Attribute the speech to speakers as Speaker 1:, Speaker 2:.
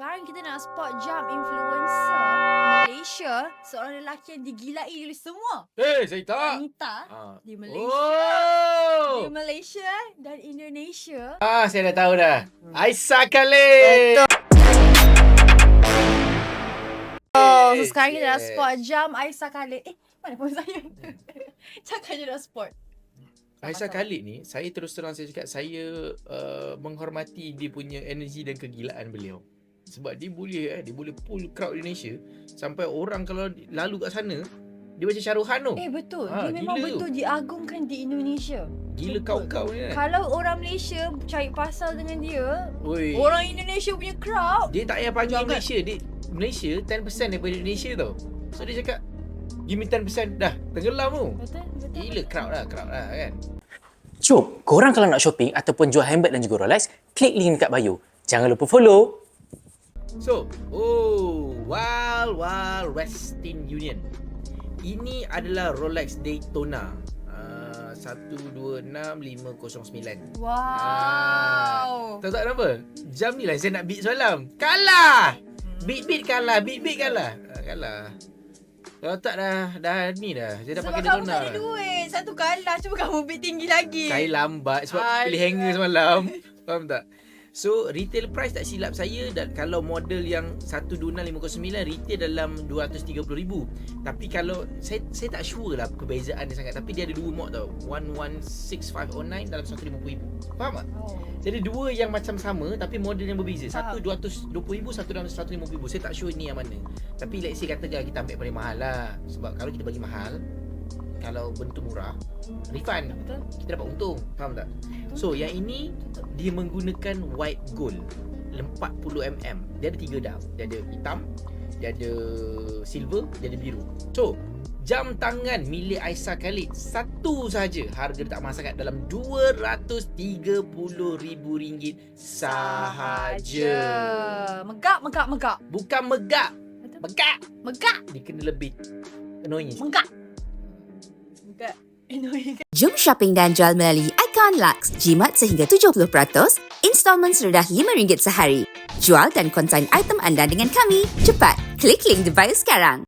Speaker 1: Sekarang kita nak spot jam influencer Malaysia, seorang lelaki yang digilai oleh semua.
Speaker 2: Saya tak.
Speaker 1: Wanita di Malaysia.
Speaker 2: Oh.
Speaker 1: Di Malaysia dan Indonesia.
Speaker 2: Saya dah tahu dah. Aisyah Khalid.
Speaker 1: So sekarang kita nak spot jam Aisyah Khalid. Mana pun saya? Cakap je nak spot.
Speaker 2: Aisyah Khalid ni, saya terus terang saya cakap, saya menghormati dia punya energi dan kegilaan beliau. Sebab dia boleh pull crowd Indonesia sampai orang kalau lalu kat sana dia macam Shahruhan tu.
Speaker 1: Betul. Dia memang betul diagungkan di Indonesia.
Speaker 2: Gila kau-kau ni kan.
Speaker 1: Kalau orang Malaysia cari pasal dengan dia,
Speaker 2: Oi.
Speaker 1: orang Indonesia punya crowd,
Speaker 2: Dia tak payah panggil
Speaker 1: Jangan.
Speaker 2: Malaysia. Malaysia 10% daripada Indonesia tau. So dia cakap, give me 10% dah. Tenggelam tu.
Speaker 1: Betul.
Speaker 2: Gila crowd lah kan.
Speaker 3: Jom, korang kalau nak shopping ataupun jual handbag dan juga Rolex, klik link dekat bio. Jangan lupa follow.
Speaker 2: So, Wild Western Union. Ini adalah Rolex Daytona 126509.
Speaker 1: Wow.
Speaker 2: Tahu tak kenapa? Jam ni lah saya nak beat semalam. Kalah. Beat kalah. Kalah. Kalau tak dah ni dah. Saya dah
Speaker 1: Sebab
Speaker 2: pakai
Speaker 1: kamu
Speaker 2: Daytona.
Speaker 1: tak ada duit. Satu kalah. Cuba kamu bid tinggi lagi.
Speaker 2: Saya lambat sebab pilih hanger semalam. Faham tak? So retail price tak silap saya, dan kalau model yang 12609 retail dalam 230,000. Tapi kalau saya tak sure lah perbezaan dia sangat, tapi dia ada dua mod tau. 116509 dalam 150,000. Faham tak? Jadi dua yang macam sama tapi model yang berbeza. Satu 220,000, satu dalam 150,000. Saya tak sure ni yang mana. Tapi let's say katakan kita ambil paling mahal lah. Sebab kalau kita bagi mahal, kalau bentuk murah, refund.
Speaker 1: Betul.
Speaker 2: Kita dapat untung. Faham tak? So yang ini dia menggunakan white gold 40mm. Dia ada 3 dah. Dia ada hitam, dia ada silver, dia ada biru. So jam tangan milik Aisyah Khalid satu saja, harga tak mahal sangat, dalam RM230,000 sahaja.
Speaker 1: Megak.
Speaker 2: Bukan megak.
Speaker 1: Betul? Megak.
Speaker 2: Dia kena lebih annoying.
Speaker 1: Megak.
Speaker 4: Jom shopping dan jual melalui Icon Lux. Jimat sehingga 70%, installment serendah RM5 sehari. Jual dan konsign item anda dengan kami. Cepat, klik link di bio sekarang.